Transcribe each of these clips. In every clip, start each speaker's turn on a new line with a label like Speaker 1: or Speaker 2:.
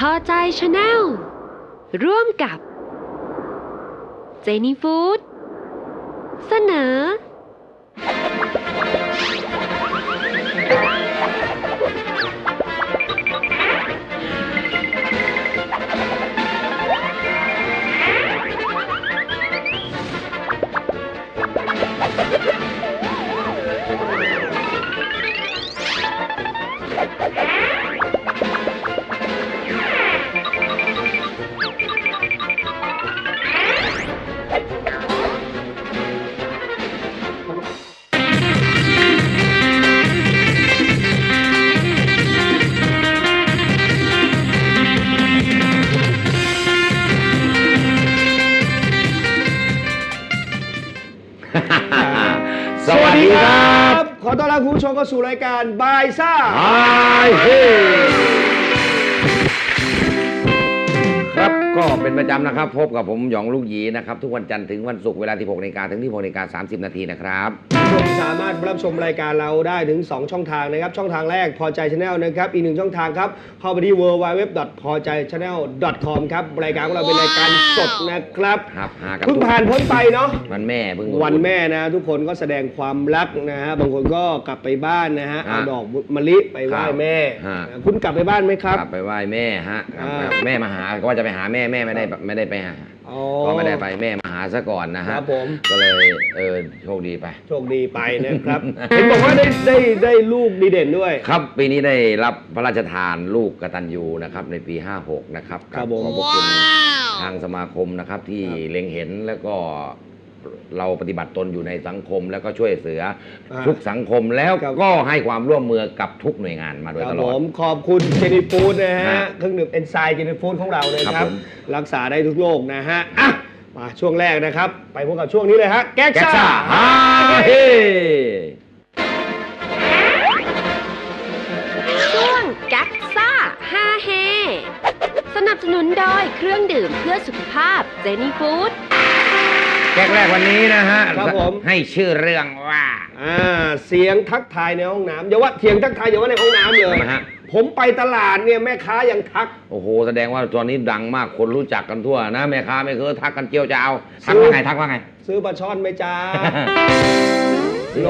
Speaker 1: อใจชาแนลร่วมกับเจนี่ฟู้ดเสนอ
Speaker 2: สวัสดีครับขอต้อนรับคุณผู้ชมเข้าสู่รายการบายซ่าเฮครับก็เป็นประจำนะครับพบกับผมหยองลูกหยีนะครับทุกวันจันทร์ถึงวันศุกร์เวลา 16 นาฬิกาถึง 16 นาฬิกา 30 นาทีนะครับคุณสามารถรับชมรายการเราได้ถึง2ช่องทางนะครับช่องทางแรกพอใจ Channel นะครับอีก1ช่องทางครับเข้าไปที่ www.pojaychannel.com ครับรายการของเราเป็นรายการสดนะครับเพิ่งผ่านพ้นไปเนาะวันแม่วันแม่นะทุกคนก็แสดงความรักนะฮะบางคนก็กลับไปบ้านนะฮะเอาดอกมะลิไปไหว้แม่คุณกลับไปบ้านไหมครับกลับไปไหว้แม่ฮะแม่มาหาก็ว่าจะไปหาแม่ไม่ได้ไปหาก็ไม่ได้ไปแม่มาหาซะก่อนนะฮะก็เลยโชคดีไปนะครับ เห็นบอกว่าได้ลูกดีเด่นด้วยครับปีนี้ได้รับพระราชทานลูกกตัญญูนะครับในปี 56นะครับขอบคุณทางสมาคมนะครับที่เล็งเห็นแล้วก็เราปฏิบัติตนอยู่ในสังคมแล้วก็ช่วยเหลือทุกสังคมแล้วก็ให้ความร่วมมือกับทุกหน่วยงานมาโดยตลอดผมขอบคุณเจนี่ฟู้ดนะฮะเครื่องดื่มเอนไซม์เจนี่ฟู้ดของเราเลยครับรักษาได้ทุกโรคนะฮะมาช่วงแรกนะครับไปพบกับช่วงนี้เลยฮะแก๊กซ่าฮาเฮ
Speaker 1: ช่วงแก๊กซ่าฮาเฮสนับสนุนโดยเครื่องดื่มเพื่อสุขภาพเจนี่ฟู้ด
Speaker 2: แก๊กแรกวันนี้นะฮะครับผมให้ชื่อเรื่องว่าเสียงทักทายในห้องน้ำอย่าว่าเสียงทักทายอย่าว่าในห้องน้ำเลยผมไปตลาดเนี่ยแม่ค้ายังทักโอ้โหแสดงว่าตอนนี้ดังมากคนรู้จักกันทั่วนะแม่ค้าไม่เคยทักกันเจียวจะเอาทักว่าไงซื้อปลาช่อนไหมจ้าโล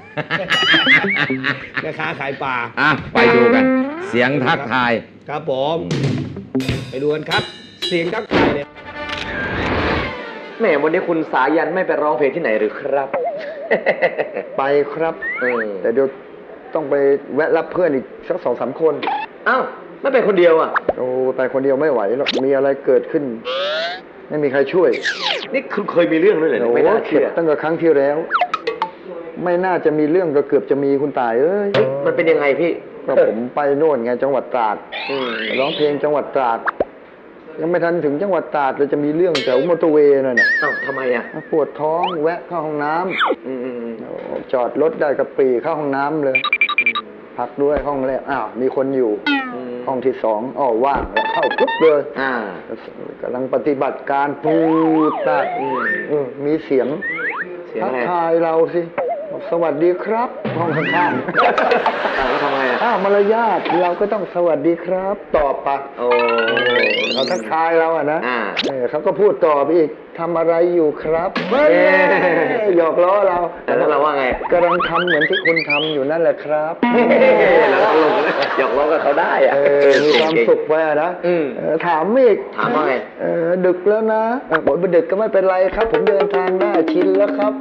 Speaker 2: แม่ค้าขายปลาไปดูกันเสียงทักทายครับผมไปดูกันครับเสียงทักทายเนี่ย
Speaker 3: แม่วันนี้คุณสายันไม่ไปร้องเพลงที่ไหนหรือครับ
Speaker 4: ไปครับแต่เดี๋ยวต้องไปแวะรับเพื่อนอีกสัก2-3 คน
Speaker 3: อ้าวไม่ไปคนเดียวอ่ะ
Speaker 4: โอ้ไปคนเดียวไม่ไหวหรอกมีอะไรเกิดขึ้นไม่มีใครช่วย
Speaker 3: นี่คุณเคยมีเรื่องด้วยเหรอ
Speaker 4: ไม่น่าเชื่อตั้งแต่ครั้งที่แล้วไม่น่าจะมีเรื่องก็เกือบจะมีคุณตาย
Speaker 3: มันเป็นยังไงพี่
Speaker 4: ก็ผมไปโน่นไงจังหวัดตราดร้องเพลงจังหวัดตราดยังไม่ทันถึงจังหวัดตราดเลยจะมีเรื่องแถวมอเตอร์เวย์นั่นน่ะ
Speaker 3: ทำไมอ่ะ
Speaker 4: ปวดท้องแวะเข้าห้องน้ำจอดรถได้กระปรีเข้าห้องน้ำเลยพักด้วยห้องแรกมีคนอยู่ห้องที่2ว่างแล้วเข้าปุ๊บเลยกำลังปฏิบัติการพูดได้มีเสียงทักทายเราสิสวัสดีครับห้องข้าง
Speaker 3: ๆทำไม
Speaker 4: มารยาทเราก็ต้องสวัสดีครับตอบปะเขาทักทายเรานะเขาก็พูดต่อไปอีกทำอะไรอยู่ครับหยอกล้อเรา
Speaker 3: แล้วเราว่าไง
Speaker 4: กำลังทำเหมือนที่คุณทำอยู่นั่นแหละครับ
Speaker 3: เราตลกหยอกล้อกับเขาได้
Speaker 4: มีความสุขไปนะถามอีก
Speaker 3: ถามว่าไง
Speaker 4: ดึกแล้วนะบอกว่าดึกก็ไม่เป็นไรครับผมเดินทางได้ชินแล้วครับ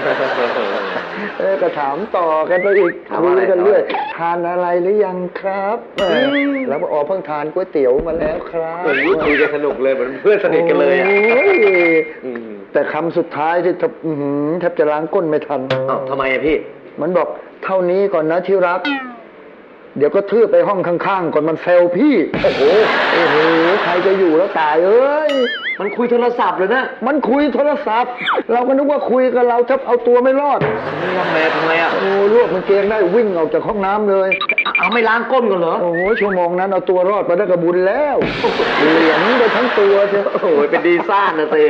Speaker 4: ก็ถามต่อกันไปอีกคุยกันเรื่อยทานอะไรหรือยังครับแล้วบอกเพิ่งทานก๋วยเตี๋ยวมาแล้วครับ
Speaker 3: คุยกันสนุกเลยเหมือนเพื่อนสนิทกันเลย
Speaker 4: แต่คำสุดท้ายที่แทบจะล้างก้นไม่ทัน
Speaker 3: ทำไมพี่
Speaker 4: มันบอกเท่านี้ก่อนนะที่รักเดี๋ยวก็ทื่อไปห้องข้างๆก่อนมันเซลพี่โอ้โหใครจะอยู่แล้วตาย
Speaker 3: มันคุยโทรศัพท์เลยนะ
Speaker 4: มันคุยโทรศัพท์เราก็นึกว่าคุยกับเราจะเอาตัวไม่รอด
Speaker 3: ทำไม
Speaker 4: รวบมันเกงได้วิ่งออกจากห้องน้ำเลย
Speaker 3: เอาไม่ล้างก้นกันเหรอ
Speaker 4: โอ้โหชั่วโมงนั้นเอาตัวรอดไปได้กระบุญแล้วเหลียงไปทั้งตัวเชียว
Speaker 3: โอ้โหเป็นดีซ่านนะเต้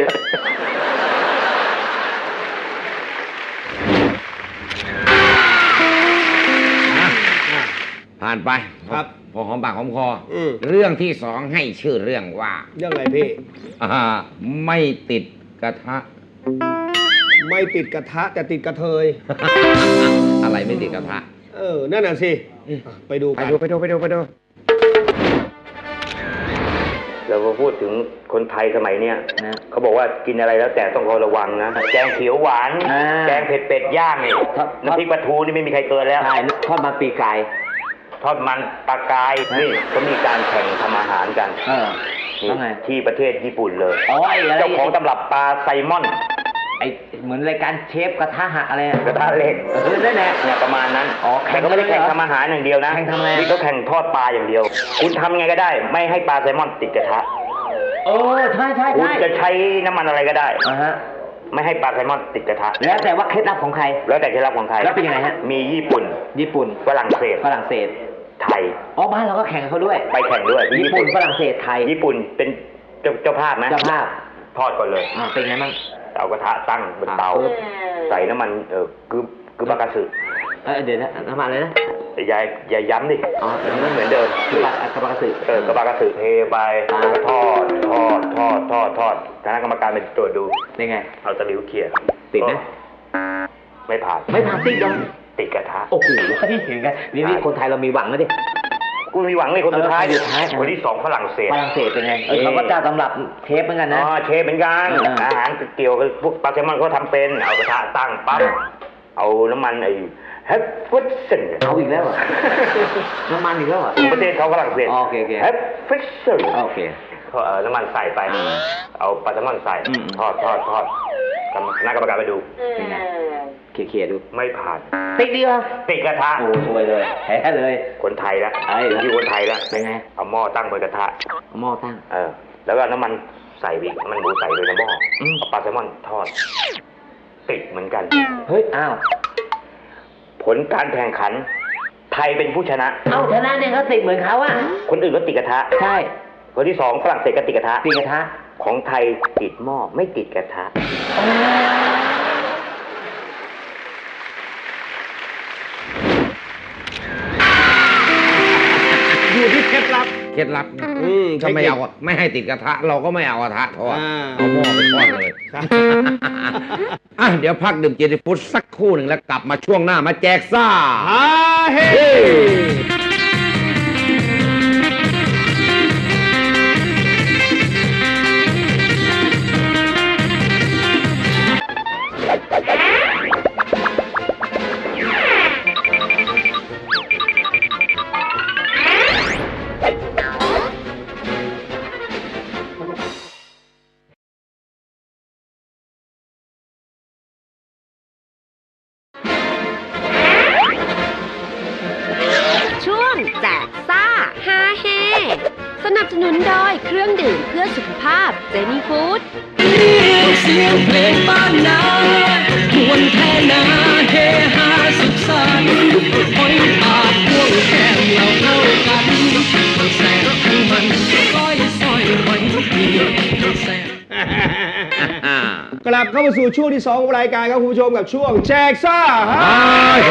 Speaker 2: ผ่
Speaker 5: ผ่านไป
Speaker 2: ครับ
Speaker 5: พอหอมปากหอมคอเรื่องที่สองให้ชื่อเรื่องว่า
Speaker 2: เรื่องอะไรพี่
Speaker 5: ไม่ติดกระทะ
Speaker 2: ไม่ติดกระทะแต่ติดกระเทย
Speaker 5: อะไรไม่ติดกระทะ
Speaker 2: นั่นน่ะสิไปดูกัน
Speaker 5: ไปดู
Speaker 3: เราพูดถึงคนไทยสมัยเนี้ยนะเขาบอกว่ากินอะไรแล้วแต่ต้องระวังนะแกงเขียวหวานแกงเผ็ดเป็ดย่างนี่น้ำพริกปลาทูนี่ไม่มีใครเกินแล้วใช่ทอดมันปีกไก่ทอดมันปลากายนี่ก็มีการแข่งทำอาหารกันนี่ที่ประเทศญี่ปุ่นเลยเจ้าของตำรับปลาไซมอนไอเหมือนรายการเชฟกระทะหักอะไรกระทะเล็กนั่นแหละเนี่ยประมาณนั้นแข่งก็ไม่ได้แข่งทำอาหารอย่างเดียวนะแข่งทำอะไรนี่เขาแข่งทอดปลาอย่างเดียวคุณทำไงก็ได้ไม่ให้ปลาไซมอนติดกระทะใช่คุณจะใช้น้ำมันอะไรก็ได้ไม่ให้ปลาไซมอนติดกระทะแล้วแต่ว่าเคล็ดลับของใครแล้วแต่เคล็ดลับของใครแล้วเป็นยังไงฮะมีญี่ปุ่นฝรั่งเศสไทยบ้านเราก็แข่งเขาด้วยไปแข่งด้วยญี่ปุ่นฝรั่งเศสไทยญี่ปุ่นเป็นเจ้าภาพนะเจ้าภาพทอดก่อนเลยเป็นไงบ้างเอากระทะตั้งบนเตาใส่น้ำมันคือบากาสึเดี๋ยวนะน้ำมันเลยนะอย่าย้ำดิมันเหมือนเดิมคือบากาสึกระบากาสึเทไปแล้วก็ทอดคณะกรรมการเป็นตรวจดูนี่ไงเอาตะหลิวเขี่ยติดไหมไม่ผ่านติดยังติดกระทะโอ้โหเห็นไงนี่คนไทยเรามีหวังนะดิกูมีหวังในคนสุดท้ายคนที่2ฝรั่งเศสเป็นไงเขาก็จะสำหรับเชฟเหมือนกันนะเชฟเหมือนกันอาหารเกี่ยวกับพวกปลาแซลมอนเขาทำเป็นเอากระทะตั้งปั๊บเอาน้ำมันแฮปฟิชเซนเอาอีกแล้วน้ำมันอีกแล้วประเทศเขาฝรั่งเศสแฮปฟิชเซนโอเคเขาน้ำมันใส่ไปเอาปลาแซลมอนใส่ทอดคณะกรรมการไปดูเขี่ยดูไม่ผ่านติดดีวะติดกระทะโอ้สวยเลยแพ้เลยคนไทยละที่คนไทยละเป็นไงเอาหม้อตั้งบนกระทะหม้อตั้งแล้วก็น้ำมันใส่อีกมันหมูใส่เลยในหม้อเอาปลาแซลมอนทอดติดเหมือนกันเฮ้ยอ้าวผลการแข่งขันไทยเป็นผู้ชนะชนะเนี่ยเขาติดเหมือนเขาอะคนอื่นก็ติดกระทะใช่คนที่2ฝรั่งเศสก็ติดกระทะของไทยติดหม้อไม่ติดกระทะ
Speaker 2: อยู่ที่เคล็ดลับ
Speaker 5: ถ้าไม่ให้ติดกระทะเราก็ไม่เอากระทะทอดเอาหม้อไปทอดเลยเดี๋ยวพักดื่มเจนี่ฟู้ดสักครู่หนึ่งแล้วกลับมาช่วงหน้ามาแจกซ่า
Speaker 2: ฮาเฮ
Speaker 1: แจกซ่าฮาเฮสนับสนุนโดยเครื่องดื่มเพื่อสุขภาพเจนี่ฟู้ด
Speaker 6: เสียงเพลงบ้านนามวนแท่นาเฮฮาสุขสันต์หอยปากพ่วงแก้มเราเข้ากันทั้งแสบทั้งมันก้อยซอยหอยดีทั้งแสบ
Speaker 2: กลับเข้ามาสู่ช่วงที่2ของรายการครับคุณผู้ชมกับช่วงแจกซ่าฮาเฮ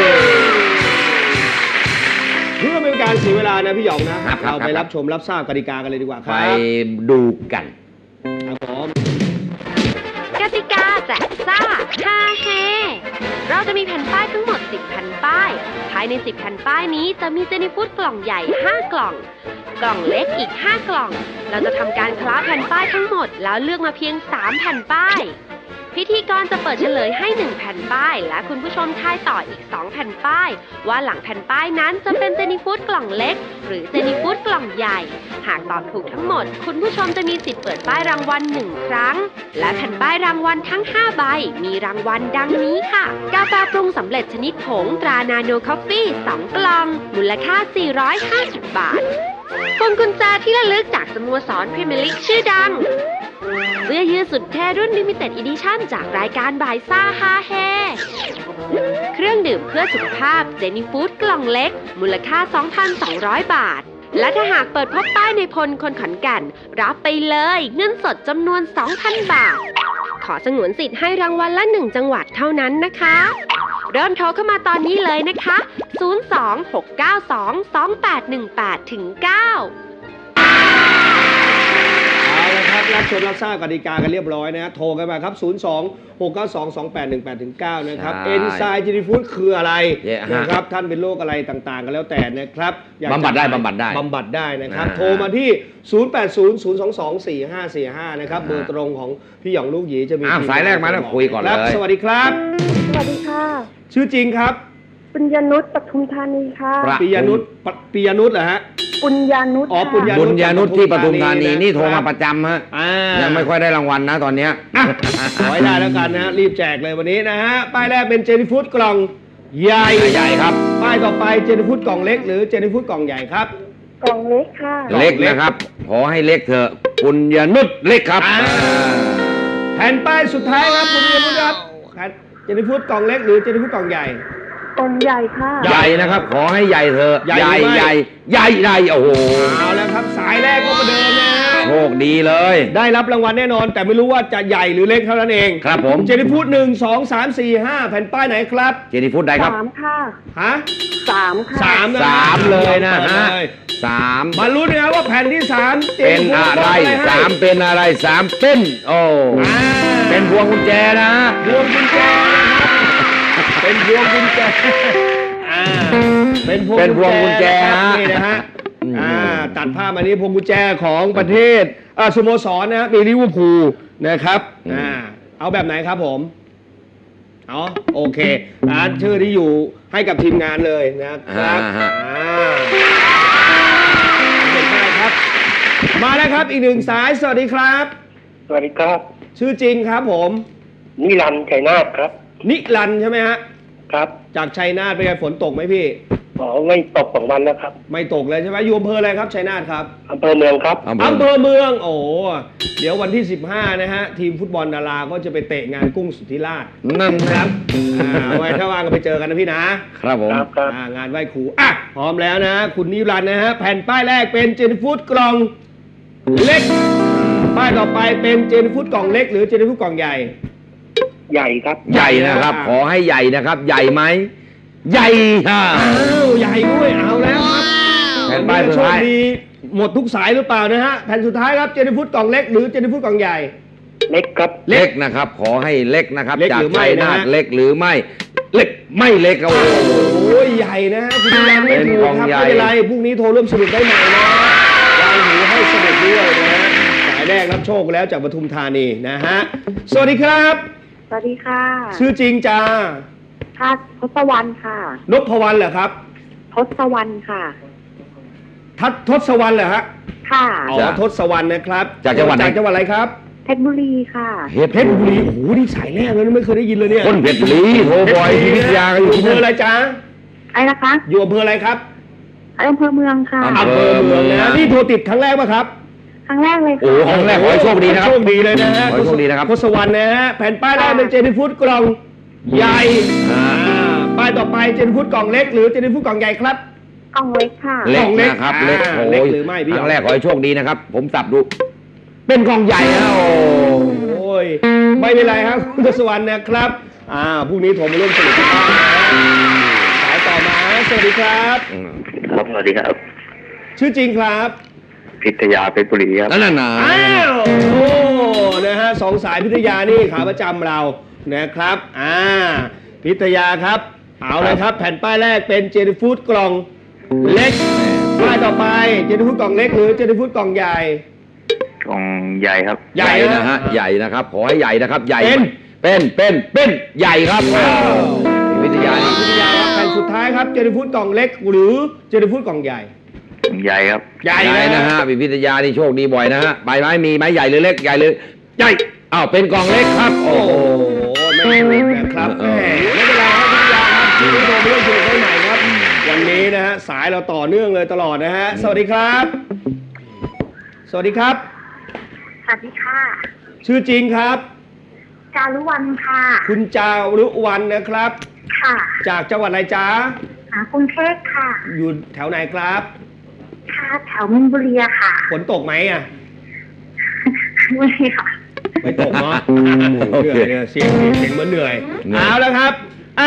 Speaker 2: เพื่อไม่เป็นการเสียเวลานะพี่หยองนะเราไปรับชมรับทราบกติกากันเลยดีกว่าครับ
Speaker 5: ไปดูกัน
Speaker 2: ครับผม
Speaker 1: กติกาแจกซ่าฮาเฮเราจะมีแผ่นป้ายทั้งหมด10แผ่นป้ายภายใน10แผ่นป้ายนี้จะมีเจนี่ฟู้ดกล่องใหญ่5กล่องกล่องเล็กอีก5กล่องเราจะทำการคล้าแผ่นป้ายทั้งหมดแล้วเลือกมาเพียง3แผ่นป้ายพิธีกรจะเปิดเฉลยให้1แผ่นป้ายและคุณผู้ชมทายต่ออีก2แผ่นป้ายว่าหลังแผ่นป้ายนั้นจะเป็นเจนี่ฟู้ดกล่องเล็กหรือเจนี่ฟู้ดกล่องใหญ่หากตอบถูกทั้งหมดคุณผู้ชมจะมีสิทธิ์เปิดป้ายรางวัล1ครั้งและแผ่นป้ายรางวัลทั้ง5ใบมีรางวัลดังนี้ค่ะกาแฟปรุงสำเร็จชนิดผงตรานาโนคอฟฟี่2กล่องมูลค่า450 บาทพวงกุญแจที่ระลึกจากสโมสรพรีเมียร์ลีกชื่อดังเสื้อยืดสุดเท่รุ่น Limited Edition จากรายการบ่ายซ่าฮาเฮเครื่องดื่มเพื่อสุขภาพเจนี่ฟู้ดกล่องเล็กมูลค่า 2,200 บาทและถ้าหากเปิดพบป้ายในพลคนขอนแก่นรับไปเลยเงินสดจำนวน 2,000 บาทขอสงวนสิทธิ์ให้รางวัลละ1จังหวัดเท่านั้นนะคะเริ่มโทรเข้ามาตอนนี้เลยนะคะ 026922818ถึง 9
Speaker 2: เอาละครับรับชมรับทราบกติกากันเรียบร้อยนะโทรกันมาครับ 026922818-9 นะครับ
Speaker 5: ใช่
Speaker 2: เอนไซม์เจนีฟูดคืออะไร
Speaker 5: ฮะ
Speaker 2: นะครับท่านเป็นโรคอะไรต่างๆกันแล้วแต่นะครับอยากจะ
Speaker 5: บำบัดได้บำบัดได้
Speaker 2: บำบัดได้นะครับ
Speaker 5: อ่า
Speaker 2: โทรมาที่ 0800224545 นะครับเบอร์ตรงของพี่หยองลูกหยีจะมี
Speaker 5: อ้าวสายแรกมาแล้วคุยก่อนเลย
Speaker 2: ครับสวัสดีครับ
Speaker 7: สวัสดีค่ะ
Speaker 2: ชื่อจริงครับ
Speaker 7: ปุญญนุชปทุมธานีค่ะ
Speaker 2: ปิยนุชเหรอฮะ
Speaker 7: ปุญญานุช
Speaker 2: อ๋อปุญญา
Speaker 5: บุญญานุชที่ปทุมธานีนี่โทรมา
Speaker 2: ค
Speaker 5: ป
Speaker 2: บ
Speaker 5: ระจำฮะ
Speaker 2: อ่า
Speaker 5: ยังไม่ค่อยได้รางวัลนะตอนเนี้ย
Speaker 2: ขอให้ได้แล้วกันนะฮะรีบแจกเลยวันนี้นะฮะป้ายแรกเป็นเจนี่ฟูดกล่องใหญ่
Speaker 5: ใหญ่ครับ
Speaker 2: ป้ายต่อไปเจนี่ฟูดกล่องเล็กหรือเจนี่ฟูดกล่องใหญ่ครับ
Speaker 7: กล่องเล็กค่ะ
Speaker 5: เล็กนะครับ ขอให้เล็กเถอะบุญญานุชเล็กครับ
Speaker 2: แผ่นป้ายสุดท้ายครับคุณเรียนรู้ครับเจนี่ฟูดกล่องเล็กหรือเจนี่ฟูดกล่องใหญ่
Speaker 7: กล่องใหญ่ค่ะ
Speaker 5: ใหญ่นะครับ ขอให้ใหญ่เถอะ
Speaker 2: ใหญ่หรือไม่
Speaker 5: ใหญ่ใหญ่โอ้โห
Speaker 2: เอาแล้วครับสายแรกก็ประเดิมนะฮะ
Speaker 5: โชคดีเลย
Speaker 2: ได้รับรางวัลแน่นอน แต่ไม่รู้ว่าจะใหญ่หรือเล็กเท่านั้นเอง
Speaker 5: ครับผม
Speaker 2: เจนี่ฟูด1 2 3 4 5แผ่นป้ายไหนครับ
Speaker 5: เจนี่ฟูดได้ครับ
Speaker 7: 3 ค่ะ
Speaker 2: ฮะ
Speaker 7: 3 ค่ะ
Speaker 2: 3นะ
Speaker 5: สามเลยนะฮะ
Speaker 2: เปิดเลย
Speaker 5: สาม
Speaker 2: มาลุ้นนะครับว่าแผ่นที่3
Speaker 5: เป็นอะไรสามเป็นอะไรสามเป็นโอ้เป็นพวงกุญแจนะ
Speaker 2: พวงกุญแจนะครับเป็นพวงกุญแจอ่าเป็นพวง
Speaker 5: เป็นพวงกุญแจ
Speaker 2: นะครับ
Speaker 5: ฮะ
Speaker 2: นี่นะฮะ
Speaker 5: อืม
Speaker 2: ตัดภาพมานี้พวงกุญแจของประเทศสโมสรนะครับมีลิเวอร์พูลนะครับเอาแบบไหนครับผมอ๋อโอเคชื่อที่อยู่ให้กับทีมงานเลยนะครับ
Speaker 5: ฮะ
Speaker 2: เห็นได้ครับ มาแล้วครับอีกหนึ่งสายสวัสดีครับ
Speaker 8: สวัสดีครับ
Speaker 2: ชื่อจริงครับผม
Speaker 8: นิรันดร์ชัยนาทครับ
Speaker 2: นิรันดร์ใช่ไหมฮะ
Speaker 8: ครับ
Speaker 2: จากชัยนาทเป็นไงฝนตกไหมพี่
Speaker 8: อ๋อไม่ตก2 วันแล้วครับ
Speaker 2: ไม่ตกเลยใช่ไหมอยู่อำเภออะไรครับชัยนาทครับ
Speaker 8: อำเภอเมืองครับ
Speaker 2: อำเภอเมืองโอ้เดี๋ยววันที่ 15 นะฮะ ทีมฟุตบอลดาราก็จะไปเตะงานกุ้งสุทธิราช
Speaker 5: นั่นครับ
Speaker 2: ไว้ถ้าว่างก็ไปเจอกันนะพี่นะครับ
Speaker 5: ผม
Speaker 8: ครับครับ
Speaker 2: งานไหว้ครูพร้อมแล้วนะ คุณนิรันดร์นะฮะแผ่นป้ายแรกเป็นเจนฟูดกล่องเล็ก ป้ายต่อไปเป็นเจนฟูดกล่องเล็กหรือเจนฟูดกล่องใหญ่
Speaker 8: ใหญ่ครับ
Speaker 5: ใหญ่นะครับ ขอให้ใหญ่นะครับ ใหญ่ไหมใหญ่ค่ะ
Speaker 2: อ้าวใหญ่ด้วยเอาแล้วครับ
Speaker 5: แผ่นป้ายสุด
Speaker 2: โชค
Speaker 5: ท้าย
Speaker 2: ดีหมดทุกสายหรือเปล่านะฮะแผ่นสุดท้ายครับเจนฟูดกล่องเล็กหรือเจนฟูดกล่องใหญ่
Speaker 8: เล็กครับ
Speaker 5: เล็กนะครับ ขอให้เล็กนะครับ
Speaker 2: เล็ก
Speaker 5: จาก
Speaker 2: หรือไม่
Speaker 5: ชัยนาท
Speaker 2: นะฮะ
Speaker 5: เล็กหรือไม่ เล็กไม่เล็กครับโอ้โห
Speaker 2: โอ้ยใหญ่นะฮะคุณนิรันดร์ไม่ถูกครับ
Speaker 5: เป็นกล่องใหญ่
Speaker 2: ไม่เป็นไรพรุ่งนี้โทรร่วมสนุกได้ใหม่นะวางหูให้สนุกด้วยนะฮะสายแรกรับโชคแล้วจากปทุมธานีนะฮะสวัสดีครับ
Speaker 7: สวัสดีค่ะ
Speaker 2: ชื่อจริงจ้า
Speaker 7: ค่ะทศวรรณค่ะ
Speaker 2: นพวรรณเหรอครับ
Speaker 7: ทศวรรณค่ะ
Speaker 2: ทศวรรณเหรอฮะ
Speaker 7: ค่ะ
Speaker 2: อ๋อทศวรรณนะครับ
Speaker 5: จากจังหวัดไหน
Speaker 2: จากจังหวัดอะไรครับ
Speaker 7: เพชรบุรีค่ะ
Speaker 2: เพชรบุรีโอ้โหนี่สายแรกเลยนะไม่เคยได้ยินเลยเนี่ย
Speaker 5: คนเพชรบุรีโทรบอยที่วิทยาก็
Speaker 2: อ
Speaker 5: อยู่ ยู่
Speaker 2: อำ
Speaker 5: ที่
Speaker 2: เภอ
Speaker 5: นั่น
Speaker 2: อะไรจ๊ะ
Speaker 7: อะไรนะคะ
Speaker 2: อยู่อำเภออะไรครับ
Speaker 7: อำเภอเมืองค่ะ
Speaker 5: อำ
Speaker 2: อำเภอเมืองนะนี่โทรติดครั้งแรกป่ะครับ
Speaker 7: ครั้งแรกเลย
Speaker 5: โอ้
Speaker 7: ค่ะ
Speaker 5: ครั้งแรกขอให้โชคดีนะครับ
Speaker 2: โชคดีเลยนะฮะ
Speaker 5: ขอให้โชคดีนะครับ
Speaker 2: ทศวรรณนะฮะแผ่นป้ายแรกเป็นเจนี่ฟูดกล่องใหญ่ป้ายต่อไปเจนี่ฟูดกล่องเล็กหรือเจนี่ฟูดกล่องใหญ่ครับ
Speaker 7: กล่องเล็กค่ะ
Speaker 5: เล็ก
Speaker 2: กล่องเล็ก
Speaker 5: นะครับ
Speaker 2: อ่า
Speaker 5: เล็กโอ้
Speaker 2: เล็ก
Speaker 5: ย
Speaker 2: หรือไม่พี่
Speaker 5: ครั้งแรกขอให้โชคดีนะครับ ผมสับดู เป็นกล่องใหญ่นะโอ้
Speaker 2: โอ้ยไม่เป็นไรครับคุณทศวรรณนะครับพรุ่งนี้โทรมาร่วมสนุกกันบ้างนะสายต่อมาสวัสดีครับ
Speaker 3: ครับสวัสดีครับ
Speaker 2: ชื่อจริงครับ
Speaker 3: พิทยาเพชรบุรีครับ
Speaker 5: นั่นน่ะ
Speaker 2: อ้าวโอ้นะฮะสองสายพิทยานี่ขาประจำเรานะครับพิทยาครับเอาเลยครับ แผ่นป้ายแรกเป็นเจนี่ฟูดกล่องเล็กป้ายต่อไปเจนี่ฟูดกล่องเล็กหรือเจนี่ฟูดกล่องใหญ่
Speaker 3: กองใหญ่ครับ
Speaker 5: ใหญ่นะฮะใหญ่นะครับ ขอให้ใหญ่นะครับ ใหญ่
Speaker 2: เป็น
Speaker 5: ใหญ่ครับวิทยานี่
Speaker 2: พิทยาครับแผ่นสุดท้ายครับเจนี่ฟูดกล่องเล็กหรือเจนี่ฟูดกล่องใหญ่
Speaker 3: ใหญ่ครับ
Speaker 2: ใหญ่
Speaker 5: ใหญ่นะฮะวิทยานี่โชคดีบ่อยนะฮะใบไม้มีไม้ใหญ่หรือเล็กใหญ่หรือใหญ่อ้าวเป็นกล่องเล็กครับ โอ้
Speaker 2: โอ้
Speaker 5: โห
Speaker 2: โหไม่ถูกนะครับแหมไม่เป็นไรครับพิทยาครับที่โทรมาร่วมสนุกได้ใหม่ครับวันนี้นะฮะสายเราต่อเนื่องเลยตลอดนะฮะสวัสดีครับ สวัสดีครับ
Speaker 7: สวัสดีค่ะ
Speaker 2: ชื่อจริงครับ
Speaker 7: จารุวรรณค่ะ
Speaker 2: คุณจารุวรรณนะครับ
Speaker 7: ค่ะ
Speaker 2: จากจังหวัดอะไรจ๊ะ
Speaker 7: กรุงเทพค่ะ
Speaker 2: อยู่แถวไหนครับ
Speaker 7: ค่ะแถวมินบุรีค่ะ
Speaker 2: ฝนตกไหมอ่ะ
Speaker 7: ไม่ค่ะ
Speaker 2: ไม่ตกเนาะ
Speaker 5: โอเค
Speaker 2: เหนื่อยเสียงเหมือนเหนื่อยเอาแล้วครับ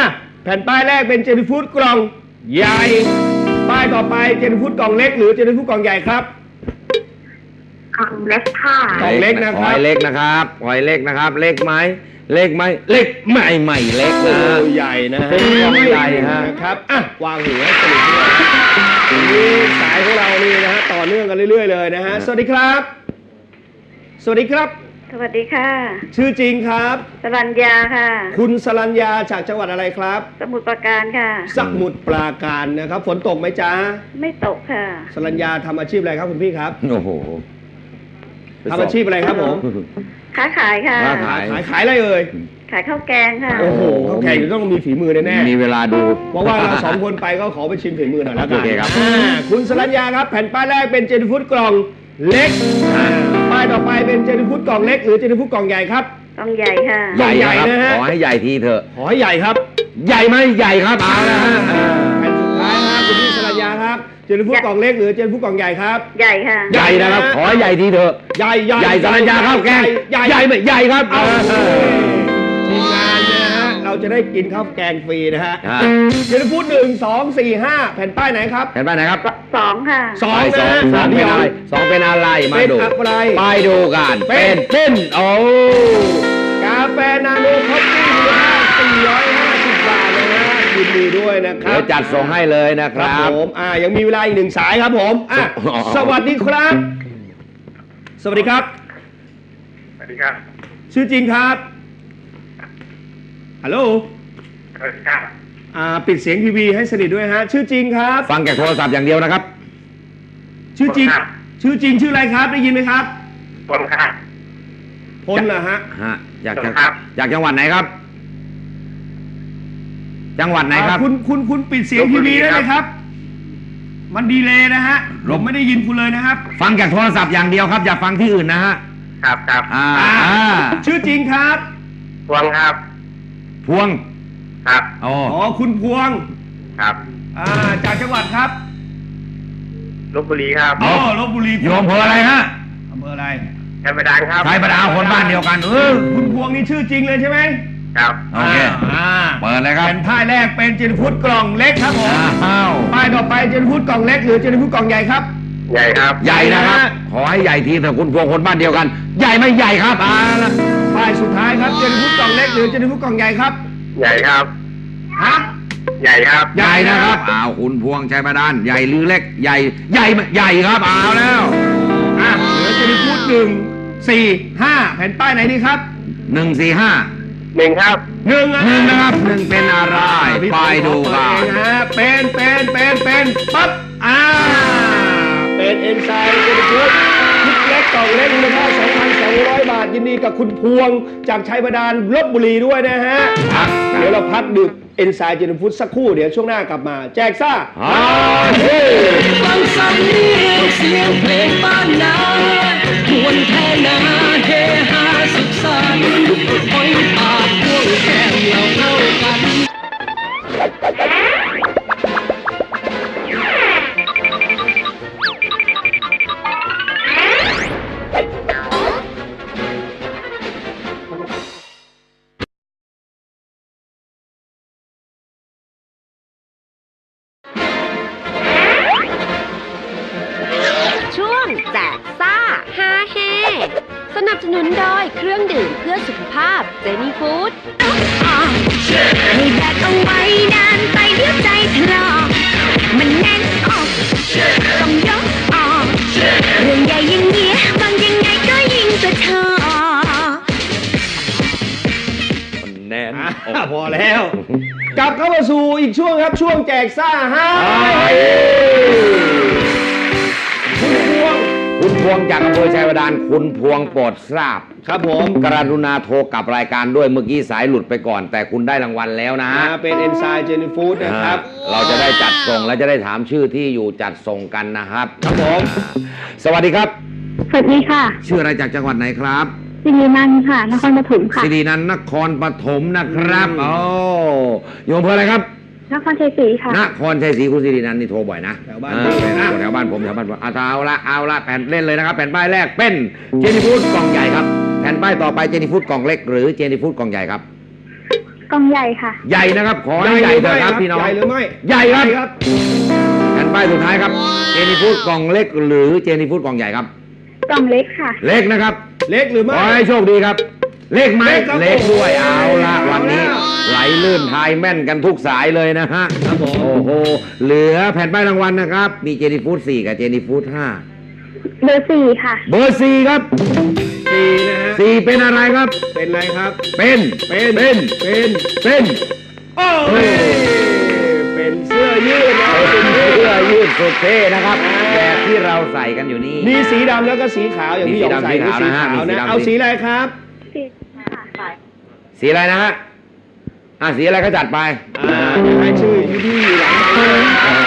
Speaker 2: แผ่นป้ายแรกเป็นเจนี่ฟูดกล่องใหญ่ป้ายต่อไปเจนี่ฟูดกล่องเล็กหรือเจนี่ฟูดกล่องใหญ่ครับ
Speaker 7: กล่องเล็กค่ะ
Speaker 2: กล่องเล็กนะค
Speaker 5: ห
Speaker 2: รั
Speaker 5: อบ ยเล็กนะครับหอยเล็กนะครับ เล็กไหมเล็กไหมเล็กไม่เล็ก
Speaker 2: โอ้
Speaker 5: นะ
Speaker 2: ใหญ่นะฮะ
Speaker 5: เป็นกล่องใหญ่ฮะ
Speaker 2: นะครับอ่ะวางหัวสนิทด้วยวันนี้สายของเรานี่นะฮะต่อเนื่องกันเรื่อยๆเลยนะฮะสวัสดีครับ สวัสดีครับ
Speaker 9: สวัสดีค่ะ
Speaker 2: ชื่อจริงครับ
Speaker 9: สรัญญาค่ะ
Speaker 2: คุณสรัญญาจากจังหวัดอะไรครับ
Speaker 9: สมุทรปราการค่ะ
Speaker 2: สมุทรปราการนะครับฝนตกไหมจ๊ะ
Speaker 9: ไม่ตกค่ะ
Speaker 2: สรัญญาทำอาชีพอะไรครับคุณพี่ครับ
Speaker 5: โอ้โห
Speaker 2: ทำอาชีพอะไรครับผม
Speaker 9: ค้าขายค่ะ
Speaker 5: ค้าขาย
Speaker 2: ขายอะไรเอ่ย
Speaker 9: ขายข้าวแกงค่ะ
Speaker 2: โอ้โหเขาแข่งจะต้องมีฝีมือแน่ๆ
Speaker 5: มีเวลาดู
Speaker 2: เพราะว่าเราสองคนไปก็ขอไปชิมฝีมือหน่อยแล้วกัน
Speaker 5: โอเคครับ
Speaker 2: คุณสรัญญาครับ แผ่นป้ายแรกเป็นเจนี่ฟูดกล่องเล็กป้ายต่อไปเป็นเจนี่ฟูดกล่องเล็กหรือเจนี่ฟูดกล่องใหญ่ครับ
Speaker 9: กล่องใหญ่ค่ะ
Speaker 2: ใหญ่
Speaker 5: ใหญ่นะ
Speaker 2: นะ
Speaker 5: ค
Speaker 2: ฮะ
Speaker 5: รับขอให้ใหญ่ทีเถอะ
Speaker 2: ขอให้ใหญ่ครับ
Speaker 5: ใหญ่ไหมใหญ่ครับเอาละฮะ
Speaker 2: แผ่นสุดท้ายครับคุณพี่สรัญญาครับเจนี่ฟูดกล่องเล็กหรือเจนี่ฟูดกล่องใหญ่ครับ
Speaker 9: ใหญ่ค่ะ
Speaker 5: ใหญ่นะครับ ขอให้ใหญ่ทีเถอะ
Speaker 2: ใหญ่
Speaker 5: ใหญ่สรัญญาข้าวแกง
Speaker 2: ใหญ่
Speaker 5: ใหญ่ไหมใหญ่ครับ
Speaker 2: เอาทีมงานเนี่ยนะฮะเราจะได้กินข้าวแกงฟรีนะฮะ
Speaker 5: ฮะ
Speaker 2: เจนี่ฟูด1 2 4 5แผ่นป้ายไหนครับ
Speaker 5: เห็นป้ายไหนครับ
Speaker 9: สองค่ะ
Speaker 2: สอง
Speaker 5: ส
Speaker 2: นะ
Speaker 5: อง
Speaker 2: ฮะ
Speaker 5: สองเป็นอะไรสองเป็นอะไรมา
Speaker 2: เป็น
Speaker 5: ดู
Speaker 2: อะไร
Speaker 5: ไปดูกัน
Speaker 2: เป็
Speaker 5: เป็นโอ้
Speaker 2: กาแฟนาโนคอฟฟี่มูลค่า450 บาทเลยนะยินดีด้วยนะครั
Speaker 5: เดี๋ย
Speaker 2: บ
Speaker 5: วจัดส่งให้เลยนะค
Speaker 2: ครั
Speaker 5: รั
Speaker 2: บบ ผมยังมีเวลาอีก1 สายครับผมสวัสดีครับ สวัสดีครับ
Speaker 8: สวัสดีครับ
Speaker 2: ชื่อจริงครับฮัลโหล
Speaker 8: สวัสดีครับ
Speaker 2: ปิดเสียงทีวีให้สนิทด้วยฮะชื่อจริงครับ
Speaker 5: ฟังจากโทรศัพท์อย่างเดียวนะครับ
Speaker 2: ชื่อจริง ชื่อจริงชื่ออะไรครับได้ยินไหมครับ
Speaker 8: บอลครับ
Speaker 2: พลนะฮะ
Speaker 5: ฮะจาก
Speaker 8: ครับ
Speaker 5: จากจังหวัดไหนครับ จังหวัดไหนครับ
Speaker 2: คุณปิดเสียงทีวีได้ไหมครับ มันดีเลยนะฮะผมไม่ได้ยินคุณเลยนะครับ
Speaker 5: ฟังจากโทรศัพท์อย่างเดียวครับ อย่าฟังที่อื่นนะฮะ
Speaker 8: ครับครับ
Speaker 2: ชื่อจริงครับ
Speaker 8: พวงครับ
Speaker 5: พวง
Speaker 8: ครับ
Speaker 5: อ๋อ
Speaker 2: อ๋อคุณพวง
Speaker 8: ครับ
Speaker 2: จากจังหวัดครับ
Speaker 8: ลพบุรีครับ
Speaker 2: อ๋อลบบุรี
Speaker 5: โยมอำเภออะไรฮะ
Speaker 2: อำเภออะไร
Speaker 8: แค่ประดานครับ
Speaker 5: ชายประดาคนบ้านเดียวกัน
Speaker 2: คุณพวงนี่ชื่อจริงเลยใช่ไหม
Speaker 8: ครับ
Speaker 5: โอเค เปิดเลยครับ
Speaker 2: แผ่นป้ายแรกเป็นเจนฟูดกล่องเล็กครับผม
Speaker 5: อ้าว
Speaker 2: ป้ายต่อไปเจนฟูดกล่องเล็กหรือเจนฟูดกล่องใหญ่ครับ
Speaker 8: ใหญ่ครับ
Speaker 5: ใหญ่นะครับ ขอให้ใหญ่ทีเถอะคุณพวงคนบ้านเดียวกัน ใหญ่ไม่ใหญ่ครับละ
Speaker 2: ป้ายสุดท้ายครับเจนฟูดกล่องเล็กหรือเจนฟูดกล่องใหญ่ครับ
Speaker 8: ใหญ่ครับ
Speaker 2: ฮะ
Speaker 8: ใหญ่ครับ
Speaker 5: ใหญ่นะครับอ้าวคุณพวงชายประดานใหญ่หรือเล็ก ใหญ่ ใหญ่ใหญ่ครับเอาแล้ว
Speaker 2: เหลือเจนฟูด1 4 5แผ่นป้ายไหนดีครับ
Speaker 5: 145
Speaker 8: หนึ่งครับ
Speaker 2: หนึ่ง
Speaker 5: หนึ่งนะครับหนึ่งเป็นอะไรไปดูกัน
Speaker 2: เป็นปั๊บเป็นเอนไซม์เจนฟูดชุดเล็กกล่องเล็กมูลค่า 2,200 บาทยินดีกับคุณพวงจากชัยบาดาลลพบุรีด้วยนะฮะเดี๋ยวเราพักดื่มเอนไซม์เจนฟูดสักครู่เดี๋ยวช่วงหน้ากลับมา แจกซ่า
Speaker 6: ฟังสำเนียงเสียงเพลงบ้านนาทวนแท่นาเฮฮาสุขสันต์หอยปากพวงแก้มเราเข้ากัน
Speaker 1: ช่วงแจกซ่าฮาเฮสนับสนุนโดยเครื่องดื่มเพื่อสุขภาพเจนี่ฟู้ด
Speaker 7: ให้แบกเอาไว้นานไปเดี๋ยวใจถลอกมันแน่นอกต้องยกออกเรื่องใหญ่อย่างเงี้ยบางยังไงก็ยิ่งจะชอบ
Speaker 5: แน่น
Speaker 2: พอแล้ว กลับเข้ามาสู่อีกช่วงครับช่วงแจกซ่าฮาคุณพวง
Speaker 5: คุณพวงจากอำเภอชัยบาดาลคุณพวงโปรดทราบ
Speaker 2: ครับผม
Speaker 5: กรุณาโทรกลับรายการด้วยเมื่อกี้สายหลุดไปก่อน แต่คุณได้รางวัลแล้วนะ
Speaker 2: เป็นเอนไซม์เจนี่ฟู้ดนะครับ
Speaker 5: เราจะได้จัดส่งและจะได้ถามชื่อที่อยู่จัดส่งกันนะครับ
Speaker 2: ครับผม
Speaker 5: สวัสดีครับ
Speaker 7: สวัสดีค่ะ
Speaker 5: ชื่ออะไรจากจังหวัดไหนครับ
Speaker 7: สิรินันท์ค่ะ นครปฐมค่ะ
Speaker 5: สิรินันท์นครปฐมนะครับโอ้อยู่อำเภออะไรครับ
Speaker 7: นครชัยศรีค่ะ
Speaker 5: นครชัยศรีคุณสิรินันท์นี่โทรบ่อยนะ
Speaker 2: แถวบ้าน
Speaker 5: แถวบ้านผมเอาละแผ่นเล่นเลยนะครับ แผ่นป้ายแรกเป็นเจนี่ฟูดกล่องใหญ่ครับแผ่นป้ายต่อไปเจนี่ฟูดกล่องเล็กหรือเจนี่ฟูดกล่องใหญ่ครับ
Speaker 9: กล่องใหญ่ค่ะ
Speaker 5: ใหญ่นะครับขอให้ใหญ่เถอะครับพี่น้อง
Speaker 2: ใหญ่หรือไม่
Speaker 5: ใหญ่ครับ
Speaker 2: ครับ
Speaker 5: แผ่นป้ายสุดท้ายครับเจนี่ฟูดกล่องเล็กหรือเจนี่ฟูดกล่องใหญ่ครับ
Speaker 9: กล่องเล็กค่ะ
Speaker 5: เล็กนะครับ
Speaker 2: เล็กหรือไม่
Speaker 5: ขอให้โชคดีครับ เล็กไหม
Speaker 2: เล็กครับ
Speaker 5: เล็กด้วย
Speaker 2: โอ้โห
Speaker 5: เอาละวันนี้
Speaker 2: เอาแล้ว
Speaker 5: ไหลลื่นทายแม่นกันทุกสายเลยนะฮะ
Speaker 2: ครับผม
Speaker 5: โอ้โหเหลือแผ่นป้ายรางวัลนะครับมีเจนี่ฟูด4กับเจนี่ฟูด5
Speaker 9: เบอร์ 4 ค่ะ
Speaker 5: เบอร์4ครับ
Speaker 2: สี่นะฮะ
Speaker 5: 4เป็นอะไรครับ
Speaker 2: เป็นไรครับ
Speaker 5: เป็น
Speaker 2: เป็น โอ้ยเป็นเสื้อยืดนะ
Speaker 5: เป็นเสื้อยืดสุดเท่นะครับแบบที่เราใส่กันอยู่นี่
Speaker 2: มีสีดำแล้วก็สีขาวอย่างที่หยองใส่
Speaker 5: มีสี
Speaker 2: นี่
Speaker 5: ดำ
Speaker 2: สีขาว
Speaker 5: สี
Speaker 2: นะ
Speaker 5: ขาวนะฮะ
Speaker 2: เอาสีอะไรครับ
Speaker 9: สีค่ะ
Speaker 5: สีอะไรนะฮะสีอะไรก็จัดไป
Speaker 2: ให้ชื่อยูดี้หลังไมค์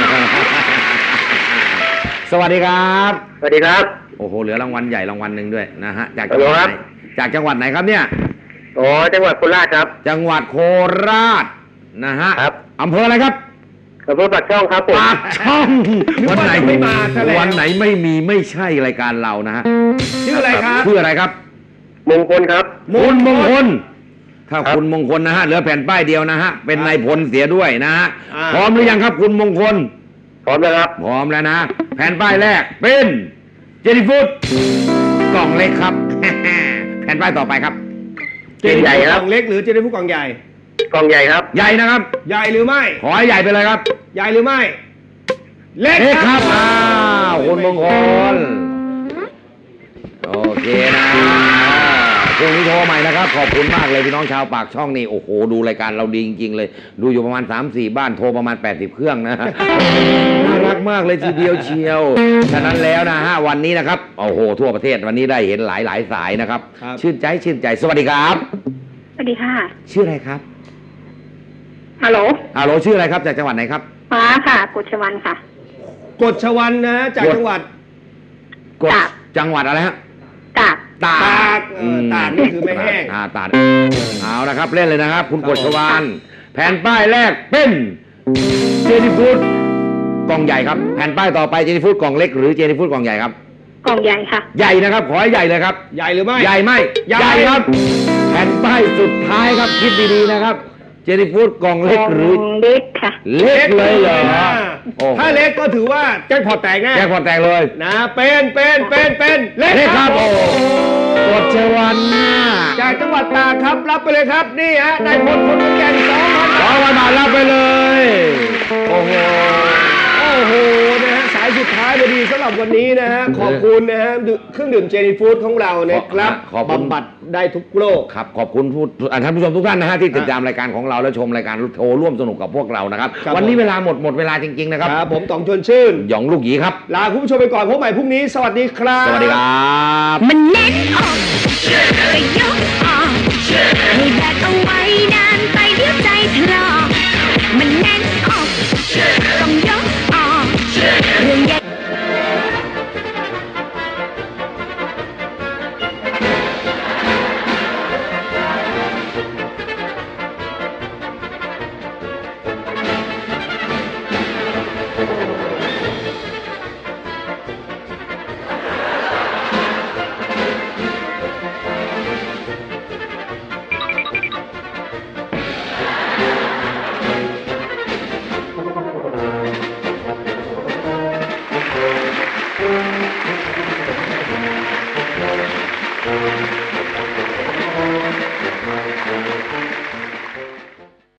Speaker 5: สวัสดีครับ
Speaker 8: สวัสดีครับ
Speaker 5: โอ้โหเหลือรางวัลใหญ่รางวัลหนึ่งด้วยนะฮะจาก
Speaker 8: ฮั
Speaker 5: จั
Speaker 8: ล
Speaker 5: ง
Speaker 8: โห
Speaker 5: ห
Speaker 8: ล
Speaker 5: วัด
Speaker 8: ครับ
Speaker 5: ไหนจากจังหวัดไหนครับเนี่ย
Speaker 8: อ๋อจังหวัดโคราชครับ
Speaker 5: จังหวัดโคราชนะฮะ
Speaker 8: ครับ
Speaker 5: อำเภออะไรครับ
Speaker 8: อำเภอปากช่องครับผม
Speaker 5: ปากช่อง
Speaker 2: นึกว่าจะไม่มาซะแล้ว
Speaker 5: วันไหนไม่มีไม่ใช่รายการเรานะฮะ
Speaker 2: ชื่ออะไรครับ
Speaker 5: ชื่ออะไรครับ
Speaker 8: มงคลครับ
Speaker 5: คุณมงคลถ้า
Speaker 8: ครับ
Speaker 5: คุณมงคลนะฮะเหลือแผ่นป้ายเดียวนะฮะเป็นนายพลเสียด้วยนะฮะ
Speaker 2: อ่า
Speaker 5: พร้อมหรือยังครับคุณมงคล
Speaker 8: พร้อมแล้วครับ
Speaker 5: พร้อมแล้วนะ แผ่นป้ายแรกเป็นเจนี่ฟูดกล่องเล็กครับ แผ่นป้ายต่อไปครับ
Speaker 2: เจนี่
Speaker 8: ใหญ่
Speaker 2: ฟูด
Speaker 8: ค
Speaker 2: ก
Speaker 8: รับ
Speaker 2: ล่องเล็กหรือเจนี่ฟูดกล่องใหญ่
Speaker 8: กล่องใหญ่ครับ
Speaker 5: ใหญ่นะครับ
Speaker 2: ใหญ่หรือไม่
Speaker 5: ขอให้ใหญ่ไปเลยครับ
Speaker 2: ใหญ่หรือไม่ เล็ก
Speaker 5: เล็ก
Speaker 2: ค
Speaker 5: ค
Speaker 2: รั
Speaker 5: รั
Speaker 2: บบ
Speaker 5: อ้าวคุณมงคลโอเคนะพรุ่งนี้โทรใหม่นะครับ ขอบคุณมากเลยพี่น้องชาวปากช่องนี่โอ้โหดูรายการเราดีจริงๆเลย ดูอยู่ประมาณ 3-4 บ้านโทรประมาณ80เครื่องนะ น่ารักมากเลยทีเดียวเชียวฉะนั้นแล้วนะฮะวันนี้นะครับโอ้โหทั่วประเทศวันนี้ได้เห็นหลายสายนะครับ
Speaker 2: ครับ
Speaker 5: ชื่นใจสวัสดีครับ
Speaker 9: สวัสดีค่ะ
Speaker 5: ชื่ออะไรครับ
Speaker 9: ฮัลโหล
Speaker 5: ฮัลโหลชื่ออะไรครับจากจังหวัดไหนครับ
Speaker 9: ฟ้าค่ะ กุชวันค่ะ
Speaker 2: กฎชวันนะฮะจากจังหวัด
Speaker 5: กด
Speaker 9: ตาก
Speaker 5: จังหวัดอะไรฮะ
Speaker 9: ตาก
Speaker 5: ตา
Speaker 2: ตากตากนี่คือไม่แห้ง
Speaker 5: ตากเอาละครับเล่นเลยนะครับ คุณกฎชวานแผ่นป้ายแรกเป็นเจนี่ฟูดกล่องใหญ่ครับแผ่นป้ายต่อไปเจนี่ฟูดกล่องเล็กหรือเจนี่ฟูดกล่องใหญ่ครับ
Speaker 9: กล่องใหญ่ค่ะ
Speaker 5: ใหญ่นะครับขอให้ใหญ่เลยครับ
Speaker 2: ใหญ่หรือไม่
Speaker 5: ใหญ่ไหม
Speaker 2: ใหญ่
Speaker 5: ครับ แผ่นป้ายสุดท้ายครับคิดดีๆนะครับเจนี่ฟูดกล่องเล็กหรือ
Speaker 9: เล็กค่ะ
Speaker 5: เล็กเลยเหรอ โอ้โห
Speaker 2: ถ้าเล็กก็ถือว่าแจ็คพอตแตกแน่
Speaker 5: แจ็คพอตแตกเลย
Speaker 2: นะเป็นเล็ก
Speaker 5: เล็กครับโอ้โหกฎชวานนะ
Speaker 2: จากจังหวัดตากครับรับไปเลยครับนี่ฮะนายพลคนขอนแก่น2,000
Speaker 5: ขอวันบาทรับไปเลย โอ้โห
Speaker 2: โอ้โหนะฮะสายสุดท้ายพอดีสำหรับวันนี้นะฮะขอบคุณนะฮะเครื่องดื่มเจนี่ฟู้ดของเรานะครับ
Speaker 5: ขอบคุณ
Speaker 2: บำบัดได้ทุกโรค
Speaker 5: ครับขอบคุณท่านผู้ชมทุกท่านนะฮะที่ติดตามรายการของเราและชมรายการโทรร่วมสนุกกับพวกเรานะครับ
Speaker 2: ครับ
Speaker 5: วันนี้เวลาหมดเวลาจริงๆนะครับ
Speaker 2: ครับผมต๋องชวนชื่น
Speaker 5: หยองลูกหยีครับ
Speaker 2: ลาคุณผู้ชมไปก่อนพบใหม่พรุ่งนี้สวัสดีครับ
Speaker 5: สวัสดีครับ
Speaker 7: มันแน่นอกก็ยกออกให้แบกเอาไว้นานไปเดี๋ยวใจถลอก